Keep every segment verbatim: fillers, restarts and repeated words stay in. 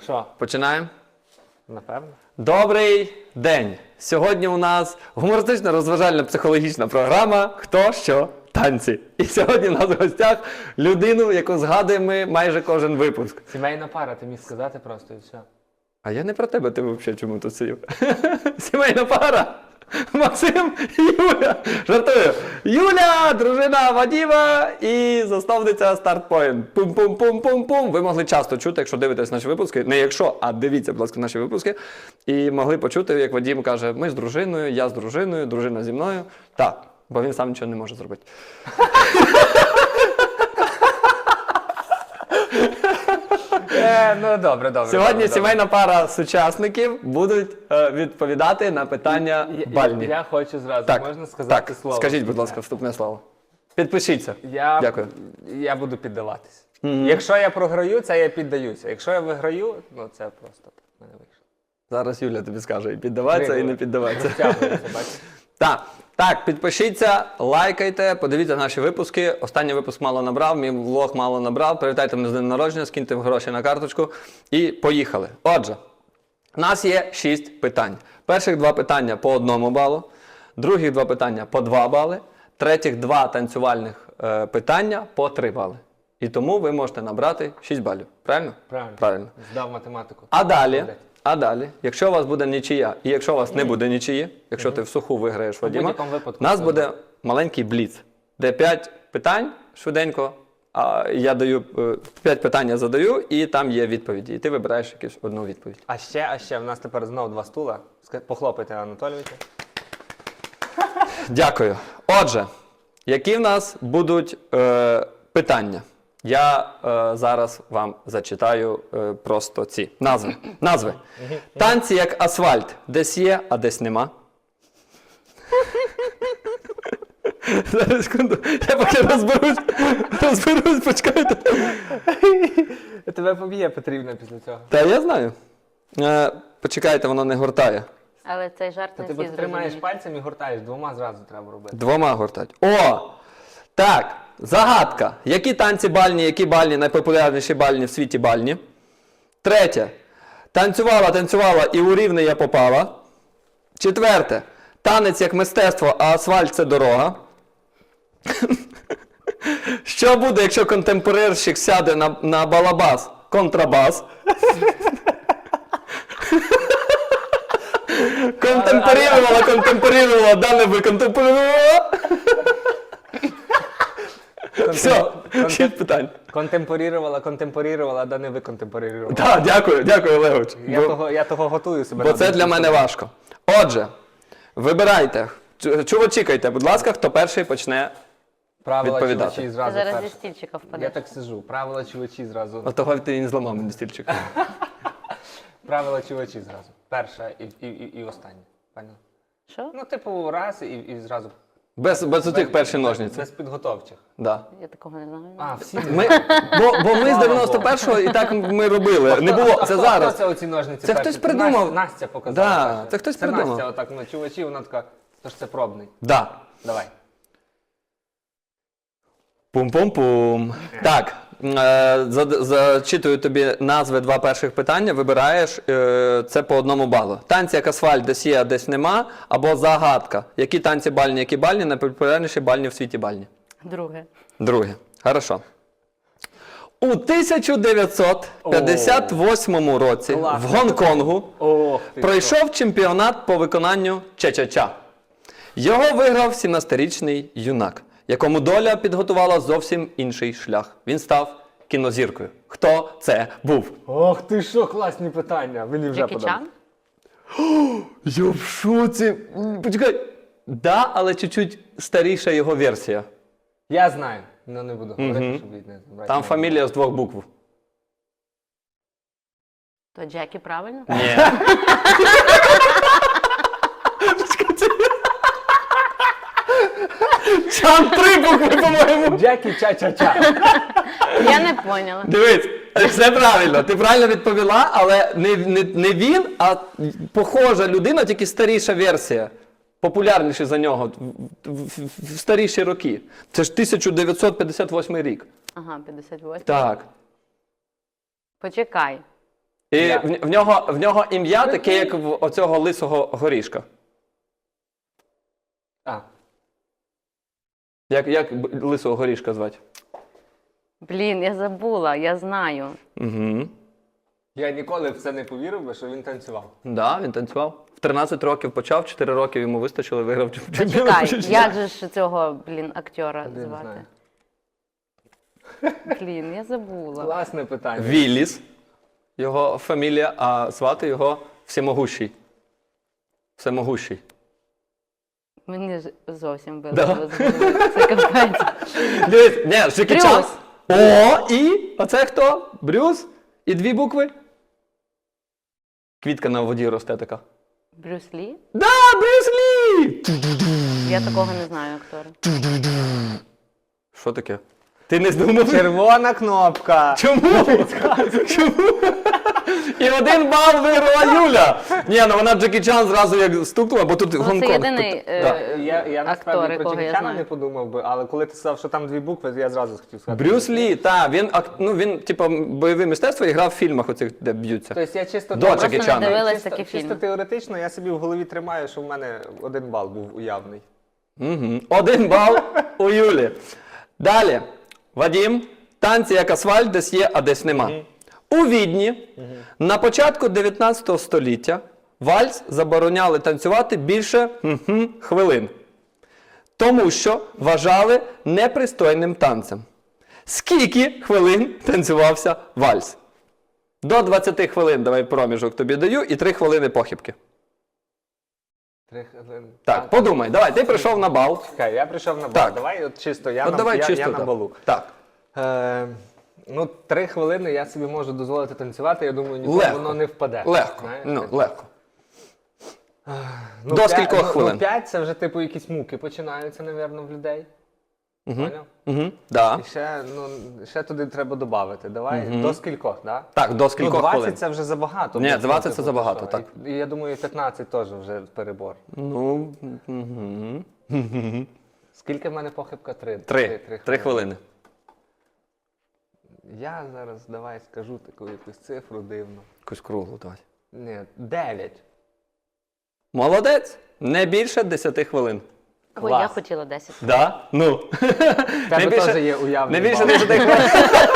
що? Починаємо? Напевно. Добрий день! Сьогодні у нас гумористична розважальна психологічна програма «Хто, що, танці». І сьогодні у нас в гостях людину, яку згадуємо ми майже кожен випуск. Сімейна пара, ти міг сказати просто і все. А я не про тебе, ти взагалі чому тут сидів? Сімейна пара! Максим і Юля! Жартую! Юля, дружина Вадіма і засновниця StartPoint. Пум-пум-пум-пум-пум. Ви могли часто чути, якщо дивитесь наші випуски, не якщо, а дивіться, будь ласка, наші випуски, і могли почути, як Вадім каже, ми з дружиною, я з дружиною, дружина зі мною. Так, бо він сам нічого не може зробити. Е, ну добре, добре. Сьогодні добре, сімейна пара сучасників будуть е, відповідати на питання добре. бальні. Я, я хочу зразу, Так, можна сказати так, слово? скажіть, будь ласка, вступне слово. Підпишіться. Я, Дякую. Я буду піддаватись. Мгм. Якщо я програю, це я піддаюся. Якщо я виграю, ну це просто так в мене вийшло. Зараз Юля тобі скаже, і піддаватися, і не піддаватися. Розтягується, бачиш? Так, так, підпишіться, лайкайте, подивіться наші випуски. Останній випуск мало набрав, мій влог мало набрав. Привітайте мене з днем народження, скиньте гроші на карточку і поїхали. Отже, у нас є шість питань. Перших два питання по одному балу, других два питання по два бали, третіх два танцювальних е, питання по три бали. І тому ви можете набрати шість балів. Правильно? Правильно. Правильно. Здав математику. А далі, Молодець. а далі, якщо у вас буде нічия, і якщо у вас не буде нічиї, якщо ти в суху виграєш Вадіма, будь-якому випадку у нас це буде буде. маленький бліц, де п'ять питань швиденько, а я даю п'ять питань я задаю, і там є відповіді. І ти вибираєш якусь одну відповідь. А ще, а ще, в нас тепер знову два стула. Ска- Похлопайте Анатолійовича. Дякую. Отже, які в нас будуть е, питання? Я е, зараз вам зачитаю е, просто ці назви. Назви. Танці як асфальт. Десь є, а десь нема. Зараз, секунду. Я поки розберусь. Розберусь, почекайте. Тебе поб'є потрібно після цього. Та я знаю. Е, почекайте, воно не гортає. Але цей жарт Та не ти всі бо тримаєш зрозуміють. пальцем і гуртаєш, двома зразу треба робити. Двома гортать. О! Так, загадка. Які танці бальні, які бальні, найпопулярніші бальні в світі бальні? Третє. Танцювала, танцювала і у рівне я попала. Четверте. Танець як мистецтво, а асфальт – це дорога. Що буде, якщо контемпорирщик сяде на, на балабас? Контрабас. Контемпорірувала, контемпорірувала, дане ви контемпорірувала. Все, шість питань. Контемпорірувала, контемпорірувала, да не ви контемпорірувала. Так, дякую, дякую, Олегович. Я, Бо, того, я того готую себе. бо на це думку для мене собі. важко. Отже, вибирайте. Чу- Чувачікайте, будь ласка, хто перший почне. Правила відповідати. чувачі Ти зразу зараз зі перше. стільчика Я впадеш. так сижу. Правила чувачі зразу. От того ти не зламав мені стільчик. Правила чувачі зразу. Перша і, і, і, і остання. Поняла? Що? Ну, типу, раз і, і зразу. Без, без отих перших без- ножниць. Без підготовчих. Да. Я такого не знаю. А, всі. Ми, бо, бо ми з Слава дев'яносто першого і так ми робили. Не було. А Це хто- зараз. Хто це оці ножниці Це перші? хтось придумав. Настя, Настя показала. Да, перше. це хтось це придумав. Настя отак на чувачі, вона така, тож це пробний. Да. Давай. Пум-пум-пум. Так, е, за- зачитую тобі назви два перших питання, вибираєш, е, це по одному балу. Танці як асфальт, десь є, а десь нема, або загадка. Які танці бальні, які бальні, найпопулярніші бальні в світі бальні. Друге. Друге. Хорошо. У тисяча дев'ятсот п'ятдесят восьмому році Класно. в Гонконгу Ох, ти що. пройшов чемпіонат по виконанню ча-ча-ча. Його виграв сімнадцятирічний юнак, якому доля підготувала зовсім інший шлях. Він став кінозіркою. Хто це був? Ох ти що, класні питання. Мені вже Джекі подобається. Чан? Я в шоці. М, Почекай. Да, але чуть-чуть старіша його версія. Я знаю, але не буду говорити, щоб від не забрати. Там фамілія з двох букв. То Джекі правильно? Ні. Чан три букви, по-моєму. Джекі ча-ча-ча. Я не поняла. Дивись, все правильно. Ти правильно відповіла, але не, не, не він, а похожа людина, тільки старіша версія. Популярніший за нього в, в, в старіші роки. Це ж тисяча дев'ятсот п'ятдесят восьмий рік. Ага, п'ятдесят восьмий. Так. Почекай. І Я. в, в нього, в нього ім'я таке, як в оцього лисого горішка. А, Як, як б- лисого горішка звати? Блін, я забула, я знаю. Угу. я ніколи в це не повірив би, що він танцював. Да, він танцював. В тринадцять років почав, чотири роки йому вистачило, виграв чемпіонат. Чекай, як же ж цього, блін, актера Один звати? знає. Блін, я забула. Класне питання. Вілліс. Його фамілія, а звати його Всемогущий. Всемогущий. Мені ж зовсім Да. вилетіло з голови. Це капець. Дивись, ні, Джекі Брюс. Чан. О, і? Оце хто? Брюс? І дві букви? Квітка на воді росте така. Брюс Лі? Да, Брюс Лі! Я такого не знаю актора. Що таке? Ти не здумав? Червона кнопка. Чому? Чому? І один бал виграла Юля. Ні, ну вона Джекі Чан зразу як стукнула, бо тут Ну, Гонконг. це єдиний Тут- е, да. Я, я актор, насправді про якого Джекі я Чана знаю. не подумав би, але коли ти сказав, що там дві букви, я зразу хотів сказати. Брюс Лі, так, він, ак- ну, він, типу, бойове мистецтво і грав в фільмах оцих, де б'ються. Тобто я чисто, До Просто Джекі не Чана. дивилась чисто, такі чисто фільми. теоретично я собі в голові тримаю, що в мене один бал був уявний. Угу. Один бал у Юлі. Далі. Вадім. Танці як асфальт, десь є, а десь нема. У Відні на початку дев'ятнадцятого століття вальс забороняли танцювати більше хм-хм, хвилин. Тому що вважали непристойним танцем. Скільки хвилин танцювався вальс? До двадцяти хвилин давай проміжок тобі даю і три хвилини похибки. Три хвилини. Так, подумай, давай, ти прийшов на бал. Чекай, я прийшов на бал. Так. Давай от чисто, я, От на, давай я, чисто я на так. балу. Так. Е, ну, три хвилини я собі можу дозволити танцювати, я думаю, ніколи Легко. воно не впаде. Легко. Знаєш? Ну, легко. Ну, До п'ять- скількох ну, хвилин? Ну, п'ять це вже типу якісь муки починаються, напевно, в людей. Поняв? Угу. Да. І ще, ну, ще туди треба додати. Давай, до скількох, да? Так, до Ну, скількох двадцять хвилин? це вже забагато. Ні, бо, двадцять типу, це забагато, що? так. І, і я думаю, п'ятнадцять теж вже перебор. Ну, угу. Скільки в мене похибка? Три. Три. Три хвилини. Я зараз, давай, скажу таку якусь цифру дивну. Якусь круглу давай. Ні, дев'ять. Молодець. Не більше десяти хвилин. Ой, я Клас. хотіла десять. Да? Ну. Тебе теж є уявний Не більше бал. десяти хвилин.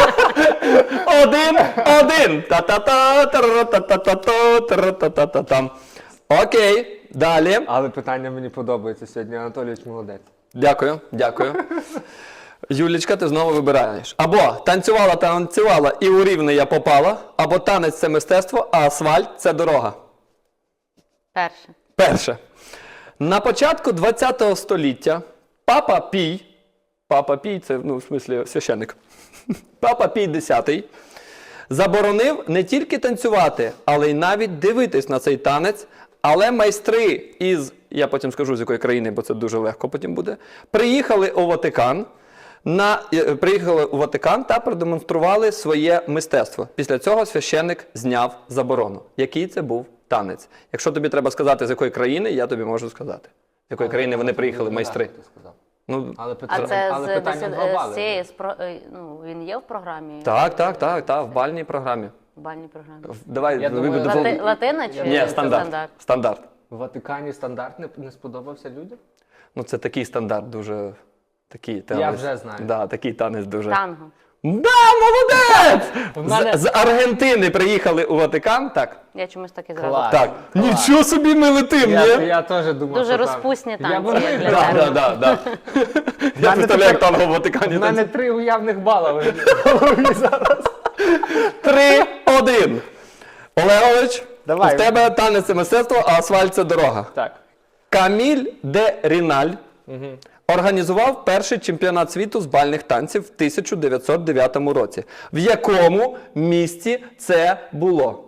Один, один. Та-та-та, тара-та-та-та, тара-та-та-та-там. Окей, далі. Але питання мені подобається сьогодні. Анатолійович молодець. Дякую, дякую. Юлічка, ти знову вибираєш. Або танцювала, танцювала і у рівне я попала, або танець це мистецтво, а асфальт це дорога. Перше. Перше. На початку ХХ століття Папа Пій, Папа Пій це, ну, в смислі, священник, Папа Пій X заборонив не тільки танцювати, але й навіть дивитись на цей танець, але майстри із, я потім скажу з якої країни, бо це дуже легко потім буде, приїхали у Ватикан, на, е, приїхали у Ватикан та продемонстрували своє мистецтво. Після цього священник зняв заборону. Який це був танець? Якщо тобі треба сказати, з якої країни, я тобі можу сказати. З якої країни вони приїхали, майстри. Ти сказав. Ну, Але, А питання, це але з, питання десят- два з бали. цієї, спро- е, ну, він є в програмі? так, так, так, так, в бальній програмі. В бальній програмі. В- Давай, Я думаю, вибудемо- Лати- Латина чи Ні, стандарт. Стандарт. В Ватикані стандарт не, не сподобався людям? Ну, це такий стандарт дуже. Такий танець. Я вже знаю. Да, такий танець дуже. Танго. Да, молодець! мене- З, з Аргентини приїхали у Ватикан, так? Я чомусь так і зразу. Клас. Так. Нічого собі ми летим, Я, ні? я теж думав, Дуже що там- розпусні Я танці, б- як для Да, тебе. да, да, да. Я представляю, як танго в Ватикані. У мене танцює. три уявних бала в голові зараз. Три, один. Олегович, Давай. в тебе танець це мистецтво, а асфальт це дорога. Так. Каміль де Ріналь організував перший чемпіонат світу з бальних танців в тисяча дев'ятсот дев'ятому році. В якому місті це було?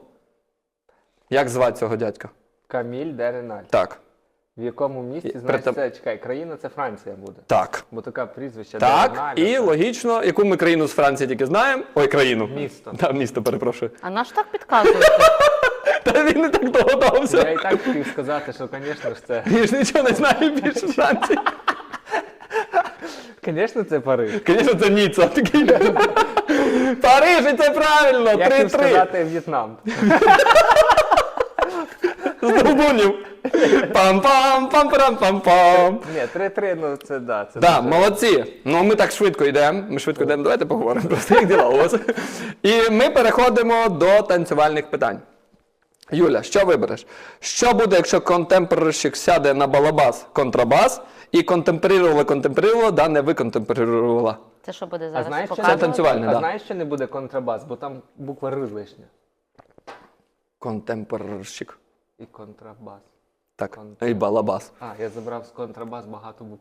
Як звати цього дядька? Каміль де Реналь. Так. В якому місті, І знаєш, притом- це, чекай, країна це Франція буде. Так. Бо така прізвище Так, де Реналь. і це- логічно, яку ми країну з Франції тільки знаємо. Ой, країну. Місто. Так, місто, перепрошую. А наш так підказуєте? Та він не так Я догадався. і так хотів сказати, що, звісно ж, це... Він ж нічого не знає більше Франції. Звісно, це Париж. Звісно, це Ніцца. Такий. Париж, і це правильно! Я хотів три-три. сказати В'єтнам. З Долбунів. Пам-пам, пам-парам-пам-пам. Ні, три-три, ну це да. Це Так, дуже- молодці. Ну ми так швидко йдемо. Ми швидко йдемо. Давайте поговоримо просто, як діла у вас. І ми переходимо до танцювальних питань. Юля, що вибереш? Що буде, якщо контемперерщик сяде на балабас, контрабас, і контемперувала, контемперувала, да не виконтемперувала? Це що буде А зараз? знаєш, що, показувати? Це танцювальне, а да. знаєш, що не буде контрабас, бо там буква Р лишня. Контемперерщик. І контрабас. Так, Кон- і балабас. А, я забрав з контрабас багато букв.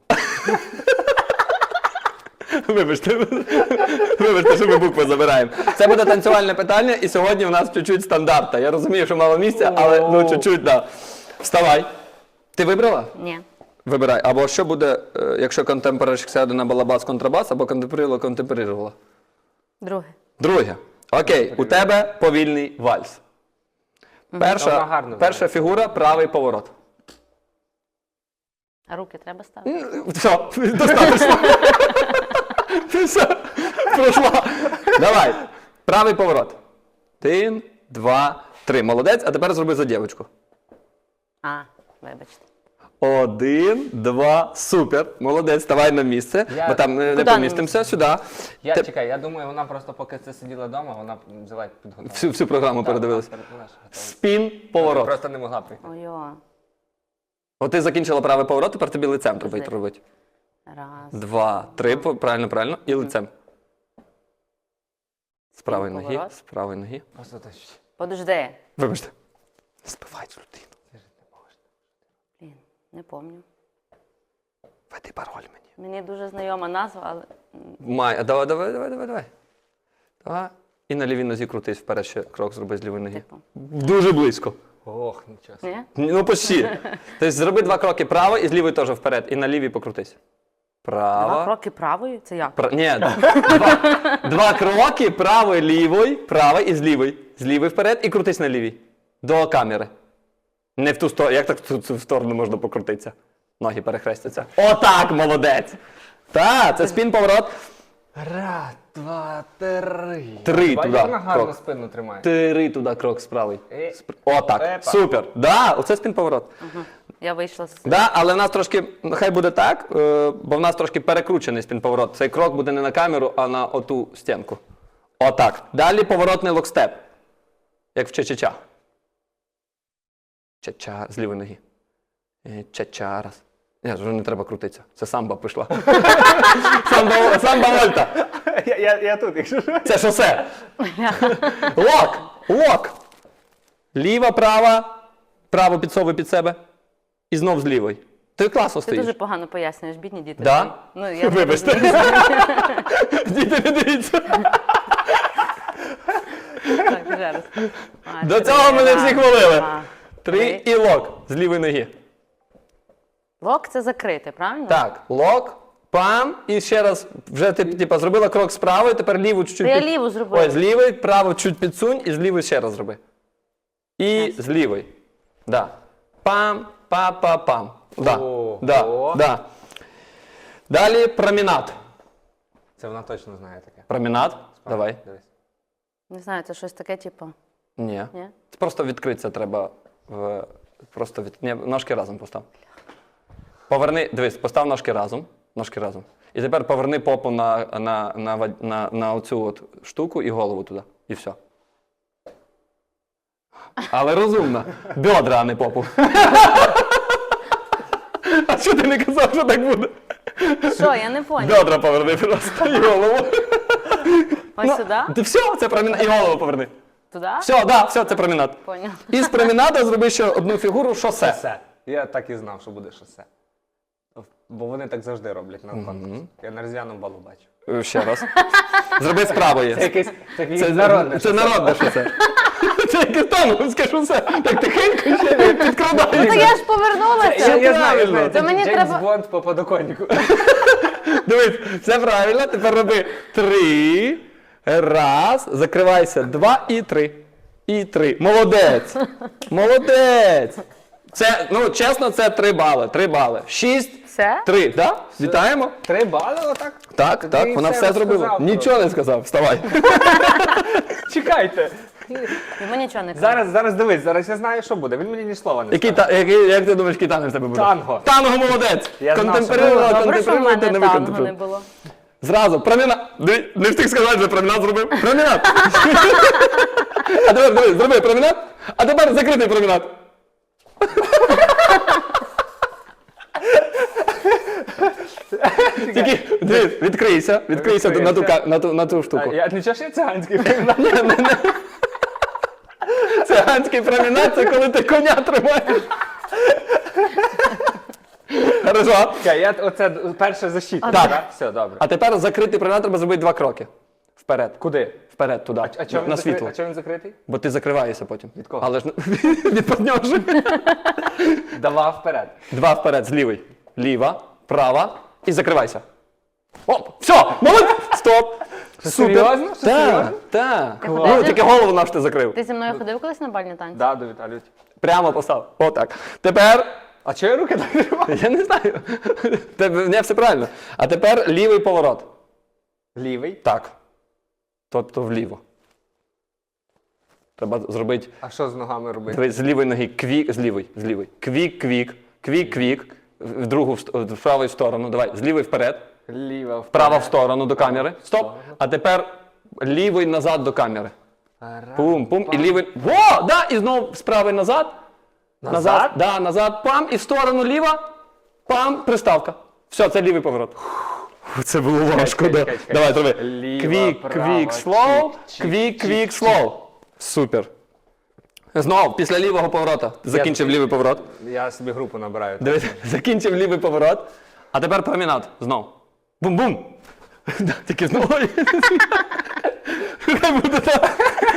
Вибачте, вибачте, що ми букви забираємо. Це буде танцювальне питання, і сьогодні в нас чуть-чуть стандарта. Я розумію, що мало місця, але ну чуть-чуть, да. Вставай. Ти вибрала? Ні. Вибирай. Або що буде, е, якщо контемперерщик сяде на балабас, контрабас, або контемперувала, контемперувала. Друге. Друге. Окей, у тебе повільний вальс. Вона Перша, гарно перша фігура правий поворот. А руки треба ставити? Все, достатньо. Все, пройшла. Давай. Правий поворот. Один, два, три. Молодець, а тепер зроби за дівчинку. А, вибачте. Один, два, супер. Молодець, ставай на місце, Я- бо там не, не Куди помістимося. Сюди. Я Ти- чекай, я думаю, вона просто поки це сиділа вдома, вона взяла підготувала. Всю, всю програму Так, передивилась. вона перед- вона ж готова. Спін, поворот. Просто не могла прийти. Ой-о. От ти закінчила правий поворот, тепер тобі лицем треба Подожди. робити. Раз. Два, три, по- правильно, правильно. І лицем. З правої ноги, поворот. з правої ноги. Просто так. Подожди. Вибачте. Збивай цю людину. Блін, не пам'ятаю. Веди пароль мені. Мені дуже знайома назва, але м, Май, а давай, давай, давай, давай, давай. Давай. І на лівій нозі крутись, вперед ще крок зроби з лівої ноги. типу. Дуже близько. Ох, нічого. собі. Ні? Ну, почти. Тобто зроби два кроки право і з лівої теж вперед. І на лівій покрутись. Право. Два кроки правою? Це як? Пра... Ні, два, два кроки правої, лівої, правої і з лівої. З лівої вперед і крутись на лівій. До камери. Не в ту сторону. Як так в ту сторону можна покрутитися? Ноги перехрестяться. Отак, молодець! Так, це спін поворот. Раз, два, три. Три Бачиш, туди, вона гарно крок. спину тримає. Три туди крок з правої. Е, Спр- Отак. Епа. Супер. Да, оце спін поворот. Я вийшла з... Да, але в нас трошки, хай буде так, е, бо в нас трошки перекручений спін-поворот. Цей крок буде не на камеру, а на оту стінку. Отак. Далі поворотний локстеп. Як в ча-ча-ча. Ча-ча з лівої ноги. Е, Ча-ча раз. Ні, вже не треба крутитися. Це самба пішла. самба, самба вольта. Я, я, я тут, якщо що. Це шосе. Лок. Лок. Ліва, права. Право підсовуй під себе. І знов з лівої. Ти класно Ти стоїш. дуже погано пояснюєш, бідні діти. Да? Ну, я не Вибачте. розумію. Діти, не дивіться. Так, ще раз. А, До три, цього мене всі раз, хвалили. два, Три і лок з лівої ноги. Лок це закрите, правильно? Так, лок, пам, і ще раз, вже ти типа, зробила крок з правої, тепер ліву чуть-чуть. Та я під- ліву зробила. Ой, з лівої, праву чуть підсунь і з лівої ще раз зроби. І з лівої. Да. Пам, па-па-пам. Да. О, Да. о. Да. Далі промінат. Це вона точно знає таке. Промінат. Давай. Дивись. Не знаю, це щось таке, типу. Ні. Ні? Це просто відкритися треба. В... Просто від... Ні, ножки разом постав. Поверни, дивись, постав ножки разом. Ножки разом. І тепер поверни попу на, на, на, на, на, на оцю от штуку і голову туди. І все. Але розумно. Бедра, а не попу. А що ти не казав, що так буде? Що, я не поняла. Бедра поверни просто і голову. Ось сюди? Ти все, це промінат. І голову поверни. Туди? Все, да, все, це промінат. Поняла. І з променада зроби ще одну фігуру шосе. Шосе. Я так і знав, що буде шосе. Бо вони так завжди роблять на конкурсі. Я на різдвяному балу бачу. Е, Ще раз. Зроби з правої. Це якесь це якесь Це народне. Це народне шосе. Це якесь тонговське шосе. Так тихенько ще не Ну то підкрадається. я ж повернулася. Я, я знаю, я знаю. То мені Джеймс треба- Бонд по подоконнику. Дивись, все правильно. Тепер роби три. Раз. Закривайся. Два і три. І три. Молодець. Молодець. Це, ну, чесно, це три бали. Три бали. Шість. Все? Три, так? Вітаємо. Три бали отак? Так, Ти так, вона все зробила. розказав Нічого не сказав, вставай. просто. Чекайте. Йому нічого не казав. Зараз, зараз дивись, зараз я знаю, що буде. Він мені ні слова не Який, скаже. та, який, як ти думаєш, який танець в тебе буде? Танго. Танго, молодець. Я знав, що Контемперувала, Добре, що в контемперуйте, мене не танго не виконтемперуйте. було. Зразу, промінат. Диви, не встиг сказати, що промінат зробив. Промінат. А тепер, диви, зроби промінат, а тепер закритий промінат. Тільки, диви, відкрийся, відкрийся на ту, ка- на ту, на ту А, штуку. я нічого ж я циганський. Циганський промінат, це коли ти коня тримаєш. Хорошо. Чекай, я оце перше защитник, Так. так? Все, добре. А тепер закритий промінат треба зробити два кроки. Вперед. Куди? Вперед, туди. А чому на він, закри... світло. а чому він закритий? Бо ти закриваєшся потім. Від кого? Але ж від партнерши. Давай вперед. Два вперед, з лівий. Ліва, права і закривайся. Оп! Все! Молодець! Стоп! Що, серйозно? Що, Так, серйозно? так. Ти Ну, ходив? тільки голову наш ти закрив. Ти зі мною ходив колись на бальні танці? Да, до Віталію. Прямо постав. Отак. Тепер. А чого я руки так тримаю? Я не знаю. Тебе не все правильно. А тепер лівий поворот. Лівий. Так. Тобто вліво. Треба зробити. А що з ногами робити? Дивись, з лівої ноги квік, з лівої, з лівої. Квік, квік, квік, квік. В другу в ст- в праву сторону. Давай, з лівої вперед. Ліва вперед. Права в сторону до камери. Стоп. А тепер лівий назад до камери. Пум, пум. І лівий. Во! Да! І знову з правої назад. Назад? Да, назад. Пам. І в сторону ліва. Пам. Приставка. Все, це лівий поворот. Це було важко, чекай, да. чекай, чекай. Давай, зроби. Ліва, Квік, права, квік, слоу. чик, Квік, чик, квік, чик, слоу. Супер. Знову, після лівого поворота. Закінчив лівий поворот. Я собі групу набираю. Дивись, закінчив лівий поворот. А тепер промінат. Знов. Бум-бум. Да, тільки знову. Хай буде так.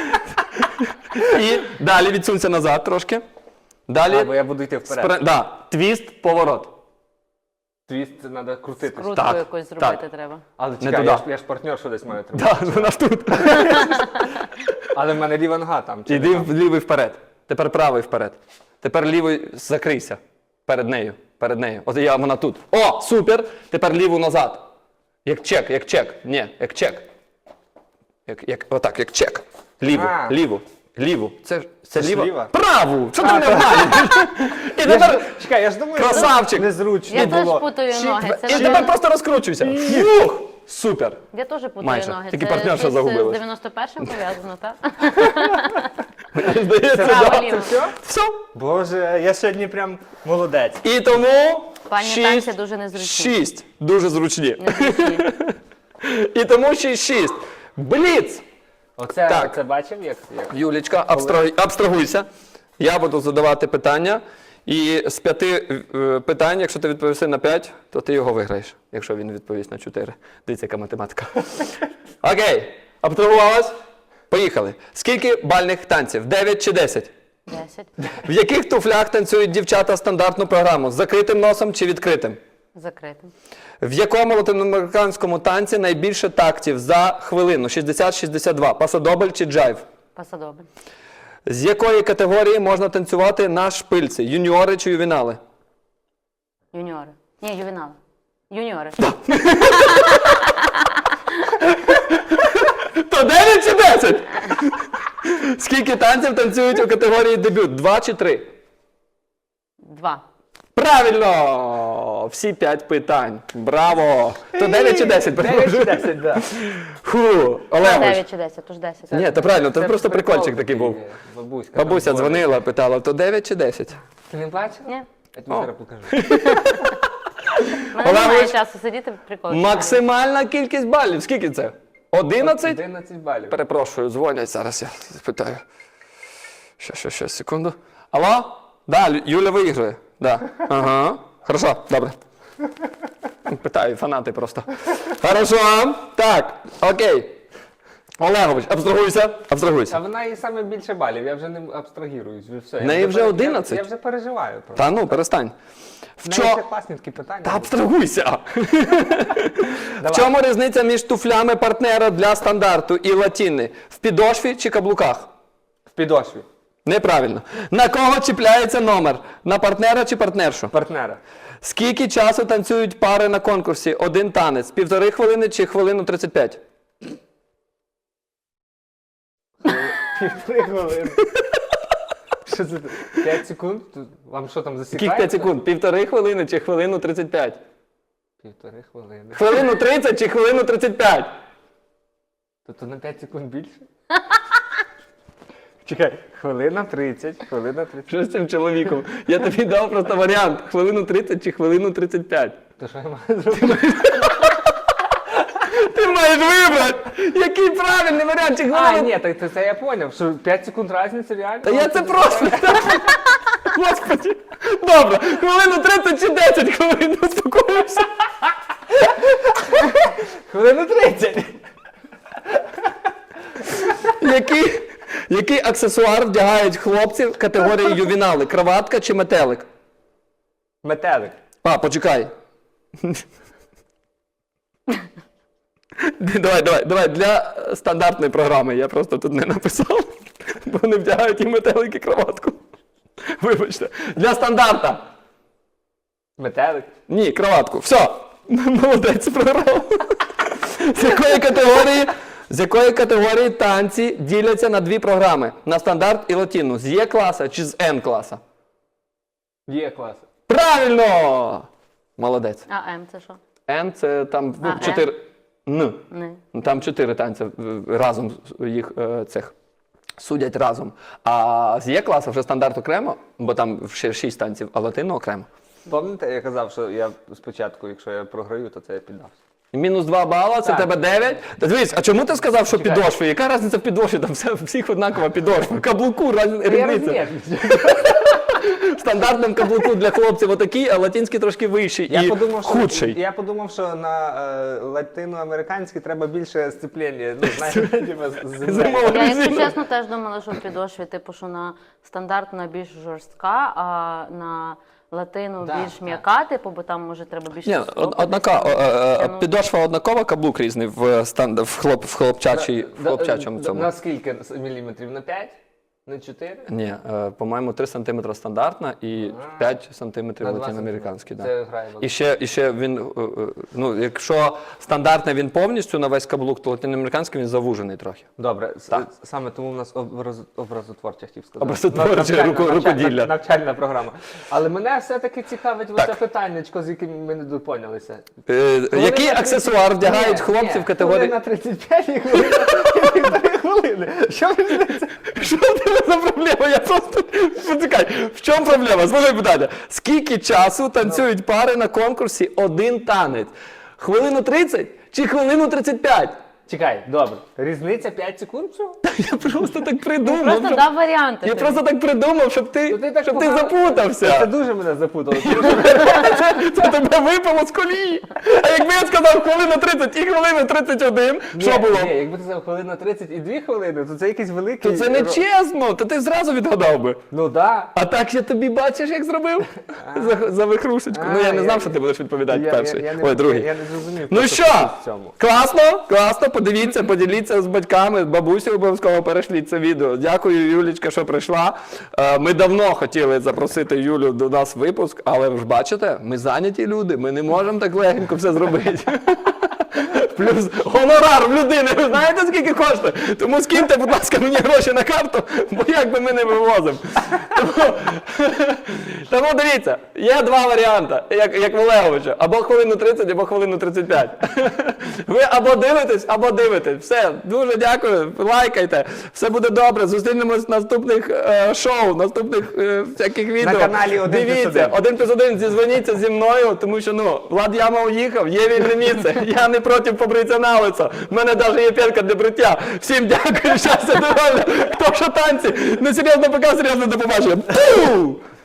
І далі відсунься назад трошки. Далі. А, бо я буду йти вперед. спре- Да, твіст, поворот. Твіст це треба крутити. Крутку Так, якось зробити так. треба. Але Не чекай, туди. я ж, я ж партнер, що десь маю тримати. Да, вона ж тут. Але в мене ліва нога там. чи Іди не там? в лівий вперед. Тепер правий вперед. Тепер лівий закрийся. Перед нею. Перед нею. От я, вона тут. О, супер! Тепер ліву назад. Як чек, як чек. Ні, як чек. Як, як, отак, як чек. Ліву, А. ліву, ліву. Це, ж- це, ж ліва? ліва? Праву! Що ти не знаєш? І Я тепер, ж- Чекай, я ж думаю, Красавчик! що незручно Я було. теж путаю Чи- ноги. Це і вже- тепер просто розкручуйся. Фух! Супер! Я теж путаю Майже. ноги. Тільки Це партнерша щось загубилась. з дев'яносто першим пов'язано, так? Мені здається, Право, да. ліво. Все? Все. Боже, я сьогодні прям молодець. І тому Пані шість, танці дуже незручні. шість. Дуже зручні. Незручні. І тому шість шість. Бліц! Оце, Так. оце бачив, як, як? Юлічка, абстрагуй, абстрагуйся. Я буду задавати питання. І з п'яти е, питань, якщо ти відповіси на п'ять, то ти його виграєш, якщо він відповість на чотири. Дивіться, яка математика. Окей, абстрагувалась? Поїхали. Скільки бальних танців? дев'ять чи десять? Десять. В яких туфлях танцюють дівчата стандартну програму? З закритим носом чи відкритим? Закритим. В якому латиноамериканському танці найбільше тактів за хвилину? шістдесят шістдесят два. Пасадобль чи джайв? Пасадобль. З якої категорії можна танцювати на шпильці? Юніори чи ювінали? Юніори. Ні, ювінали. Юніори. То дев'ять чи десять? Скільки танців танцюють у категорії дебют? Два чи три? Два. Правильно! Всі п'ять питань. Браво! То дев'ять чи десять? дев'ять чи десять, так. Фу, Олегович. Дев'ять чи десять, тож десять. Ні, то правильно, то просто прикольчик такий був. Бабуська. Бабуся там дзвонила, питала, то дев'ять чи десять? Ти не бачив? Ні. Я тобі О. зараз покажу. У мене немає Олегович, часу сидіти прикольно. Максимальна кількість балів. Скільки це? одинадцять? одинадцять балів. Перепрошую, дзвонять, зараз я спитаю. Ще, ще, ще, секунду. Алло? Да, Лю- Юля виграє. Да. Ага. Хорошо, добре. Питаю, фанати просто. Хорошо. Так, окей. Олегович, абстрагуйся, А абстрагуйся. вона і саме більше балів, я вже не абстрагіруюсь. вже Все. Я неї вже пере- одинадцять? Я, я вже переживаю. Просто. Та ну, перестань. В, В неї ще чо... класні такі питання. Та були. абстрагуйся. В Давай. чому різниця між туфлями партнера для стандарту і латіни? В підошві чи каблуках? В підошві. Неправильно. На кого чіпляється номер? На партнера чи партнершу? Партнера. Скільки часу танцюють пари на конкурсі? Один танець. Півтори хвилини чи хвилину тридцять п'ять? Півтори хвилини. Що це? п'ять секунд? Вам що там засікається? Скільки п'ять секунд? Півтори хвилини чи хвилину тридцять п'ять? Півтори хвилини. Хвилину тридцять чи хвилину тридцять п'ять? Тобто на п'ять секунд більше? Чекай, хвилина тридцять, хвилина тридцять. Що з цим чоловіком? Я тобі дав просто варіант. Хвилину тридцять чи хвилину тридцять п'ять? То що я маю зробити? Ти маєш вибрати! Який правильний варіант? Чи А, хвилину... ні, так то це я зрозумів, що п'ять секунд різниця реально. Та я це просто... Господи! Добре, хвилину тридцять чи десять хвилин, успокоївся. Хвилину тридцять. Який, який аксесуар вдягають хлопці в категорії ювінали? Краватка чи метелик? Метелик. А, почекай. Давай, давай, давай, для стандартної програми, я просто тут не написав, бо вони вдягають і метелик, і краватку. Вибачте. Для стандарта. Метелик. Ні, краватку. Все. Молодець, програв. З якої категорії, з якої категорії танці діляться на дві програми? На стандарт і латину. З Є-класа чи з Н-класа? Є клас. Правильно! Молодець. А М це що? Н це там ну, А, чотири. Н. Не. Там чотири танці е, разом їх е, цих судять разом. А з Є-класу вже стандарт окремо, бо там ще шість танців, а латину окремо. Пам'ятаєте, я казав, що я спочатку, якщо я програю, то це я піддався. Мінус два бала, це в Так. тебе дев'ять. Та дивись, а чому ти сказав, що підошви? Яка різниця в підошві? Там все, всіх однакова підошва. Каблуку раз- Я різниця. розумію. В стандартному каблуку для хлопців отакий, а латинський трошки вищий Я і подумав, що, худший. я подумав, що на е, латиноамериканській треба більше сцеплення. Ну, знаєте, типа, з землею. Зимова Я, якщо резина. чесно, теж думала, що в підошві, типу, що на стандартна більш жорстка, а на латину Да, більш так. м'яка, типу, бо там може треба більше. Ні, стопи од- однака, десь, о, е, е, ну, підошва однакова, каблук різний в, станд, в, хлоп, в, хлопчачій, в Да, хлопчачому да, цьому. На скільки міліметрів? На п'ять? На чотири? Ні, е, по-моєму, три сантиметри стандартна і п'ять сантиметрів На два латиноамериканський. Да. Це грає велику. І ще, і ще він, е, е, ну, якщо стандартний він повністю на весь каблук, то латиноамериканський він завужений трохи. Добре, с- Так. саме тому в нас образ, образотворча, хотів сказати. Образотворча, Навчальна- руко- навчальна- рукоділля. Навчальна програма. Але мене все-таки цікавить Так. оце питаннячко, з яким ми не допонялися. Е, який на аксесуар тридцять вдягають Ні, хлопці ні, в категорії? Хвилина тридцять п'ять і хвилина і півтори хвилини. Що ви знаєте? Що в тебе за проблема? Я просто почекай. В чому проблема? Слухай питання. Скільки часу танцюють пари на конкурсі один танець? Хвилину тридцять чи хвилину тридцять п'ять? Чекай, добре. Різниця п'ять секунд всього? Я просто так придумав. Просто щоб- дав варіанти. Я тобі. просто так придумав, щоб ти, Ну, ти так щоб ти погано- Це запутався. дуже мене запутало. Це, це тебе випало з колії. А якби я сказав хвилина тридцять і хвилина тридцять один, що Ні, було? Ні, якби ти сказав хвилина тридцять і дві хвилини, то це якийсь великий... То це не ро- чесно, то ти зразу відгадав би. Ну так. А так я тобі бачиш, як зробив? За, за вихрушечку. Ну я А, не я- знав, що ти будеш відповідати Я, перший. я, я, не, Ой, другий. Я, я не зрозумів. Ну просто що? в цьому. Класно, класно, подивіться, поділіться з батьками, з бабусею обов'язково перешліть це відео. Дякую, Юлічка, що прийшла. Е, Ми давно хотіли запросити Юлю до нас в випуск, але ви ж бачите, ми зайняті люди, ми не можемо так легенько все зробити. Плюс гонорар в людини, ви знаєте, скільки коштує? Тому скиньте, будь ласка, мені гроші на карту, бо як би ми не вивозимо. Тому, тому дивіться, є два варіанти, як, як в Олеговича. Або хвилину тридцять, або хвилину тридцять п'ять. Ви або дивитесь, або дивитесь. Все, дуже дякую, лайкайте. Все буде добре. Зустрінемось в наступних е, шоу, наступних е, всяких відео. каналі «Один плюс Дивіться, один». один плюс один, зізвоніться зі мною, тому що, ну, Влад Яма уїхав, є вільне місце. Я не проти побритися на лицо. В мене навіть є п'ятка для бриття. Всім дякую, щастя, здоров'я. Хто що танці? Не серйозно пока, серйозно до побачення. Пу!